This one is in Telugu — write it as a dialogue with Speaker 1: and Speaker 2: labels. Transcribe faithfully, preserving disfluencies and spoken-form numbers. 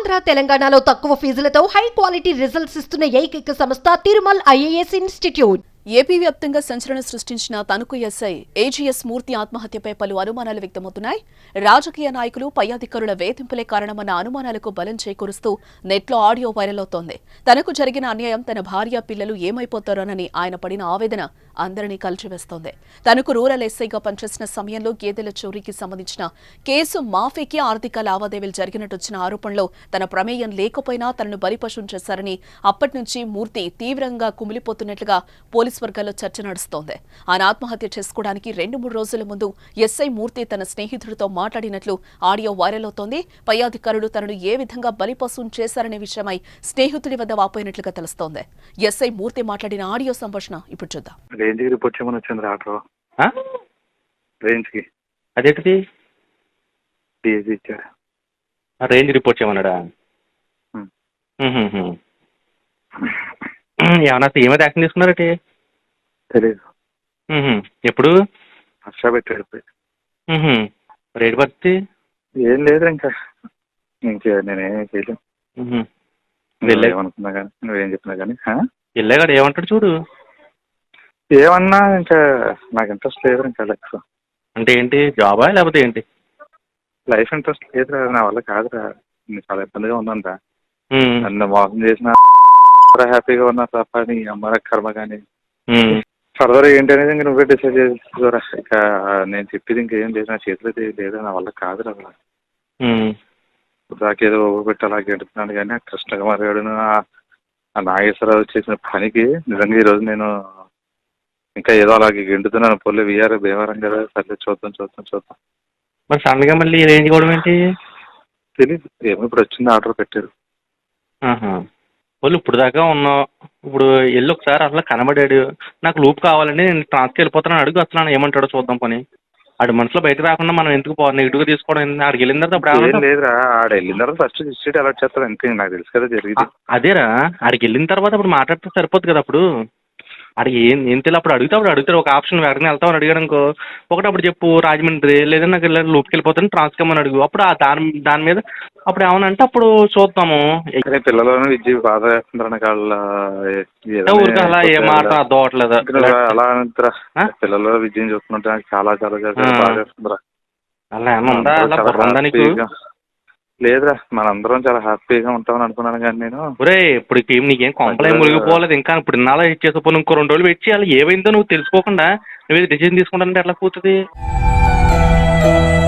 Speaker 1: ఆంధ్ర తెలంగాణలో తక్కువ ఫీజులతో హై క్వాలిటీ రిజల్ట్స్ ఇస్తున్న ఏకైక సంస్థ తిరుమల్ ఐఏఎస్ ఇన్స్టిట్యూట్.
Speaker 2: ఏపీ వ్యాప్తంగా సంచలనం సృష్టించిన తణుకు ఎస్ఐ ఏజీఎస్ మూర్తి ఆత్మహత్యపై పలు అనుమానాలు వ్యక్తమవుతున్నాయి. రాజకీయ నాయకులు పై అధికారుల వేధింపులే కారణమన్న అనుమానాలకు బలం చేకూరుస్తూ నెట్లో ఆడియో వైరల్ అవుతోంది. తనకు జరిగిన అన్యాయం తన భార్య పిల్లలు ఏమైపోతారోనని ఆయన పడిన ఆవేదన అందరినీ కలిచివేస్తోంది. తనకు రూరల్ ఎస్ఐగా పనిచేసిన సమయంలో గేదెల చోరీకి సంబంధించిన కేసు మాఫీకి ఆర్థిక లావాదేవీలు జరిగినట్టు వచ్చిన ఆరోపణలో తన ప్రమేయం లేకపోయినా తనను బలిపశం చేశారని అప్పటి నుంచి మూర్తి తీవ్రంగా కుమిలిపోతున్నట్లుగా పోలీసు వర్గాల్లో చర్చ నడుస్తోంది. ఆయన ఆత్మహత్య చేసుకోవడానికి రెండు మూడు రోజుల ముందు ఎస్ఐ మూర్తి తన స్నేహితుడితో మాట్లాడినట్లు ఆడియో వైరల్ అవుతోంది. పై అధికారులు తనను ఏ విధంగా బలిపశం చేశారనే విషయమై స్నేహితుడి వద్ద వాపోయినట్లుగా తెలుస్తోంది. ఎస్ఐ మూర్తి మాట్లాడిన ఆడియో సంభాషణ ఇప్పుడు చూద్దాం.
Speaker 3: రేంజ్ కి రిపోర్ట్ చేయమని వచ్చింది ఆటో రేంజ్ కి.
Speaker 4: అదేంటిది?
Speaker 3: డీఎస్పీ ఇచ్చాడు.
Speaker 4: రేంజ్ రిపోర్ట్ చేయమన్నాడా? ఏమన్నా ఏమైతే యాక్షన్ తీసుకున్నారటి?
Speaker 3: తెలీదు.
Speaker 4: ఎప్పుడు
Speaker 3: హర్ష పెట్టాడు.
Speaker 4: రేటు పడితే
Speaker 3: ఏం లేదు ఇంకా ఇంకా నేనేం చేయలేను. ఏమనుకున్నా కానీ నువ్వేం చెప్పినా కానీ
Speaker 4: వెళ్ళాగాడు ఏమంటాడు చూడు.
Speaker 3: ఏమన్నా ఇంకా నాకు ఇంట్రెస్ట్ లేదు ఇంకా లైఫ్.
Speaker 4: అంటే ఏంటి, జాబా లేకపోతే ఏంటి?
Speaker 3: లైఫ్ ఇంట్రెస్ట్ లేదురా, నా వల్ల కాదురా. చాలా ఇబ్బందిగా ఉందంట. నన్ను మోసం చేసిన హ్యాపీగా ఉన్నా తప్ప నీ అమ్మ కర్మ కానీ ఫర్దర్ ఏంటి అనేది ఇంక నువ్వే డిసైడ్ చేసుకోరా. ఇక నేను చెప్పేది ఇంకేం లేదు, నా చేతిలో లేదు, నా వల్ల కాదురా. దాకేదో పెట్టి అలా గెడుతున్నాను కానీ ఆ కృష్ణకుమార్ గారు ఆ నాగేశ్వరరావు చేసిన పనికి నిజంగా ఈరోజు నేను ఇంకా ఏదో అలాగే గెంటుతున్నాను. పొల్లి విఆర్ భీమవరం కదా, సర్లే చూద్దాం చూద్దాం చూద్దాం.
Speaker 4: మరి సడన్ గా మళ్ళీ రేంజ్ కూడా ఏంటి
Speaker 3: తెలీదు. ఏమో ఇప్పుడు వచ్చింది, ఆర్డర్ పెట్టారు.
Speaker 4: వాళ్ళు ఇప్పుడు దాకా ఉన్నావు, ఇప్పుడు వెళ్ళి ఒకసారి అసలు కనబడాడు. నాకు లూప్ కావాలండి, నేను ట్రాన్స్కి వెళ్ళిపోతాను అడుగు. అసలు ఏమంటాడో చూద్దాం పని. ఆడు మనసులో బయట రాకుండా మనం ఎందుకు పో నెగిటివ్ గా తీసుకోవడం? ఆడికి వెళ్ళిన తర్వాత
Speaker 3: అప్పుడు లేదురా, ఆడ వెళ్ళిన తర్వాత ఫస్ట్ డిస్ట్రిక్ట్ అలర్ట్ చేస్తారు అంతే. నాకు తెలుసు కదా జరిగింది.
Speaker 4: అదేరా, ఆడికి వెళ్ళిన తర్వాత అప్పుడు మాట్లాడితే సరిపోద్ది కదా. అప్పుడు ఆడికి ఏం ఏం తెలియదు. అప్పుడు అడిగితే అప్పుడు అడుగుతాడు ఒక ఆప్షన్, వెంటనే వెళ్తామని అడిగాడు అనుకో, ఒకటి అప్పుడు చెప్పు రాజమండ్రి లేదంటే నాకు వెళ్ళి లూప్కి వెళ్ళిపోతాను ట్రాన్స్కమ్మని అడుగు. అప్పుడు ఆ దాని దాని మీద అప్పుడు ఏమనంటే అప్పుడు చూద్దాము.
Speaker 3: పిల్లలను విద్య బాధ వేస్తుంటారు వాళ్ళ
Speaker 4: ఊరికి అలా ఏ మాట అర్థం అవట్లేదు.
Speaker 3: అలా అంటారా, పిల్లలు విద్యను చూస్తుంటే చాలా చాలా చాలా బాధ వేస్తుందిరా.
Speaker 4: అలా ఏమన్నా ఉందా?
Speaker 3: లేదురా, మనందరం చాలా హ్యాపీగా ఉంటామని అనుకున్నాను కానీ నేను.
Speaker 4: ఒరే ఇప్పుడు టీం నీకేం కొంపలేం మునిగిపోలేదు ఇంకా. ఇప్పుడు ఇన్నాళ్ళ వెయిట్ చేసేపోయి ఇంకో రెండు రోజులు వెయిట్ చేయాలి. ఏమైందో నువ్వు తెలుసుకోకుండా నువ్వు డిసిజన్ తీసుకుంటానంటే ఎట్లా కూతుంది?